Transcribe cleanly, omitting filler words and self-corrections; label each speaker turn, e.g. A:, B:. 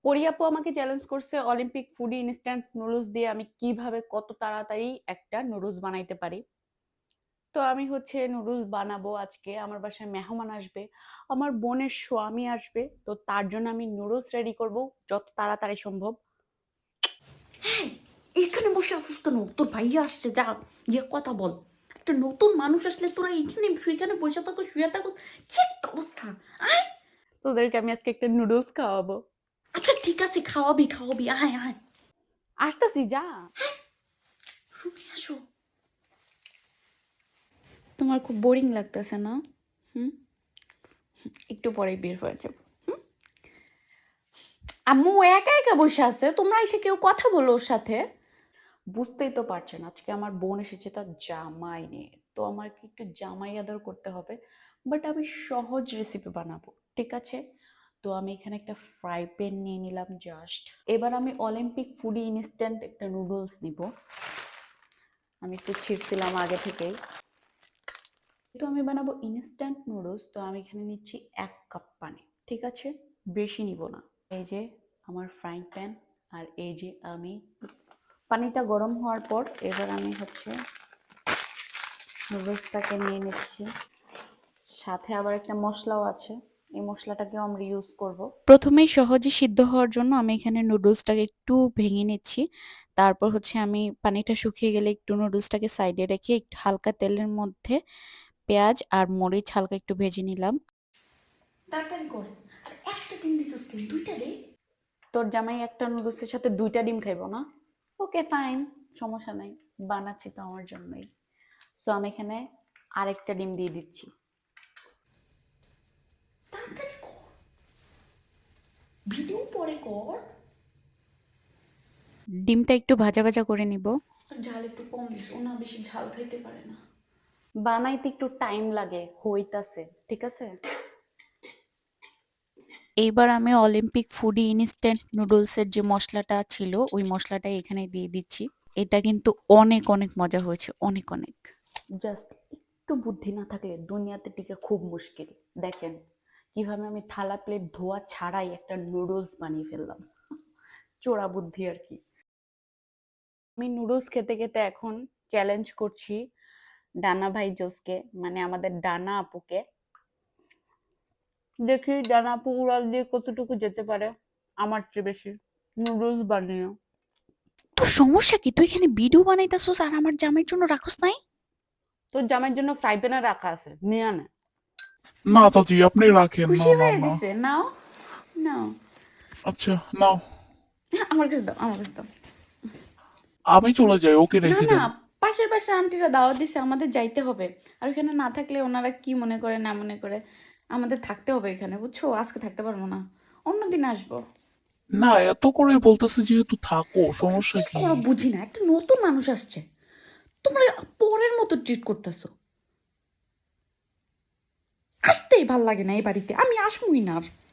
A: পরি আপু আমাকে চ্যালেঞ্জ করছে অলিম্পিক ফুডি ইনস্ট্যান্ট নুডলস দিয়ে আমি কিভাবে কত তাড়াতাড়ি একটা নুডলস বানাইতে পারি। তো আমি হচ্ছে নুডলস বানাবো আজকে। আমার বাসায় মেহমান আসবে, আমার বোনের স্বামী আসবে, তো তার জন্য আমি নুডলস রেডি করব যত তাড়াতাড়ি সম্ভব।
B: হ্যাঁ, এখানে বসে আসিস কেন? তোর ভাইয়া আসছে, যা গিয়ে কথা বল। একটা নতুন মানুষ আসলে তোরা এখানে সেখানে বসে থাকো, শুয়ে থাকো, কি একটা অবস্থা! আয়।
A: তোদেরকে আমি আজকে একটা নুডলস খাওয়াবো।
B: আচ্ছা ঠিক আছে, খাওয়াবি খাওয়াবি, আয় আয়।
A: আসতাছি, যা।
B: রুমে আসো।
A: তোমার খুব বোরিং লাগতেছে না? হুম, একটু পরেই বের হয়ে যাবো।
B: আম্মু একা একা বসে আছে, তোমরা এসে কেউ কথা বলো ওর সাথে।
A: বুঝতেই তো পারছেন আজকে আমার বোন এসেছে তার জামাই নিয়ে, তো আমার কি একটু জামাই আদর করতে হবে। বাট আমি সহজ রেসিপি বানাবো, ঠিক আছে? তো আমি এখানে একটা ফ্রাই প্যান নিয়ে নিলাম জাস্ট। এবার আমি অলিম্পিক ফুডি ইনস্ট্যান্ট একটা নুডলস নিব। আমি একটু ছিঁড়ছিলাম আগে থেকেই। তো আমি বানাবো ইনস্ট্যান্ট নুডলস, তো আমি এখানে নিচ্ছি 1 কাপ পানি, ঠিক আছে? বেশি নিব না। এই যে আমার ফ্রাইং প্যান, আর এই যে আমি পানিটা গরম হওয়ার পর এবার আমি হচ্ছে নুডলসটাকে নিয়ে নিচ্ছি। সাথে আবার একটা মশলাও আছে, এই মশলাটাকেও আমরা ইউজ করব। প্রথমেই সহজে সিদ্ধ হওয়ার জন্য আমি এখানে নুডলসটাকে একটু ভেঙে নিচ্ছি। তারপর হচ্ছে আমি পানিটা শুকিয়ে গেলে একটু নুডলসটাকে সাইডে রেখে একটু হালকা তেলের মধ্যে পেঁয়াজ আর মরিচ হালকা একটু ভেজে নিলাম।
B: তাড়াতাড়ি কর। আর একটা ডিম দিছিস কেন? দুইটা দে।
A: তোর জামাই একটা নুডলসের সাথে 2টা ডিম খাইবো না? ওকে ফাইন, সমস্যা নাই, বানাচ্ছি তো আমার জন্যই। সো আমি এখানে আরেকটা ডিম দিয়ে দিচ্ছি।
B: তাড়াতাড়ি কর, ভিডিও পরে কর।
A: ডিমটা একটু ভাজা ভাজা করে নিব।
B: আর ঝাল একটু কম দিস, ও না বেশি ঝাল খাইতে পারে না।
A: বানাইতে একটু টাইম লাগে, হইতাছে, ঠিক আছে? এইবার আমি অলিম্পিক ফুডি ইনস্ট্যান্ট নুডলসের যে মশলাটা ছিল ওই মশলাটা এখানে দিয়ে দিচ্ছি। এটা কিন্তু অনেক অনেক মজা হয়েছে, অনেক অনেক। জাস্ট একটু বুদ্ধি না থাকলে দুনিয়াতে টিকে খুব মুশকিল। দেখেন কিভাবে আমি থালা প্লেট ধোয়া ছাড়াই একটা নুডলস বানিয়ে ফেললাম। চোরা বুদ্ধি আর কি। আমি নুডলস খেতে খেতে এখন চ্যালেঞ্জ করছি ডানা ভাই জোসকে, মানে আমাদের ডানা আপুকে। দেখি ডানা আপু উড়াল দিয়ে কতটুকু যেতে পারে আমার চেয়ে বেশি নুডলস বানিয়ে।
B: তোর সমস্যা কি? তুই এখানে ভিডিও বানাইতাছস আর আমার জামাইয়ের জন্য রাখস নাই?
A: তোর জামাইয়ের জন্য ফ্রাই প্যানে রাখা আছে, নিয়ে আনে।
C: না চাচি, আপনি রাখেন। না
B: খুশি
C: না
B: হয়ে
C: না।
B: দিছে, নাও নাও।
C: আচ্ছা নাও।
B: আমার কাছে দাও, আমার কাছে দাও।
C: আমি চলে যাই, ওকে
B: না
C: রেখে
B: না,
C: দেন।
B: পাশের পাশে আন্টিরা দাওয়াত দিছে, আমাদের যাইতে হবে। আর ওখানে না থাকলে ওনারা কি মনে করে না মনে করে, আমাদের থাকতে হবে এখানে, বুঝছো? আজকে থাকতে পারবো না, অন্যদিন আসবো।
C: না, এত করে বলতেছে যেহেতু থাকো, সমস্যা
B: কি
C: কি?
B: করো বুঝি না, একটা নতুন মানুষ আসছে, তোমরা পরের মতো ট্রিট করতেছো। আসতেই ভাল লাগে না এই বাড়িতে, আমি আসবই না আর।